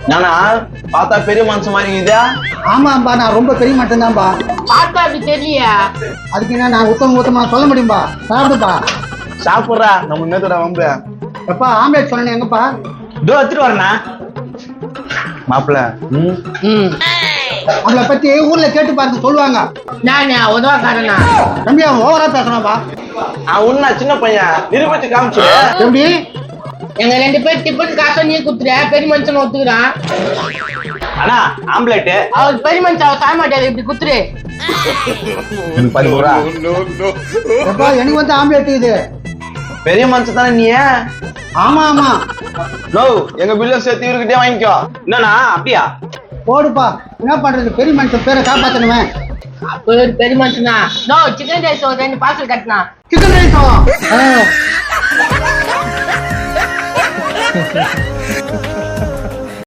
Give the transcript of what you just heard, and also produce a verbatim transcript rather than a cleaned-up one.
நானா பார்த்தா பெரிய மனுஷன் மாதிரி இதா? ஆமாம்பா, நான் ரொம்ப பெரிய மட்டும்தான்பா. பார்த்தா அப்படி தெரியலையா? அதுக்கு என்ன நான் உத்தம உத்தமா சொல்ல முடியும்பா? சாப்பிடுப்பா. சாப்பிட்றா, நம்ம இன்னத்தோட வம்பு. எப்பா ஆம்லேட் சொன்னேன் எங்கப்பா? இதோ எடுத்துட்டு வரேண்ணா. மாப்பிள்ள ம் ம் அவளை பத்தி ஊர்ல கேட்டு பார்த்து சொல்லுவாங்க. நானே உதவாக்காரனா? தம்பி அவன் ஓவரா பேசுறான்பா. அவன் உன்ன சின்ன பையன் நிரூபிச்சு காமிச்சு. எப்படி? எங்க ரெண்டு பேர் டிஃபன் காசை நீ குத்துற, பெரிய மனுஷன் ஒத்துக்கிறான். அண்ணா ஆம்லேட்டு. அவர் பெரிய மனுஷன் அவர் சாய மாட்டாரு, இப்படி குத்துரு. பதிமூறா எப்பா எனக்கு வந்து ஆம்லேட் இது. பெரிய மனுஷன் தானே நீ? ஆமா ஆமா. நோ எங்க பில்ல சேர்த்து இவர்கிட்டயே வாங்கிக்கோ. என்னண்ணா அப்படியா? போடுப்பா, என்ன பண்றது, பெரிய மனுஷன் பேரை காப்பாத்தணுமே. அப்ப ஒரு பெரிய மனுஷனா? நோ சிக்கன் ரைஸ் ஒரு ரெண்டு பார்சல் கட்டினா. சிக்கன் ரைஸா?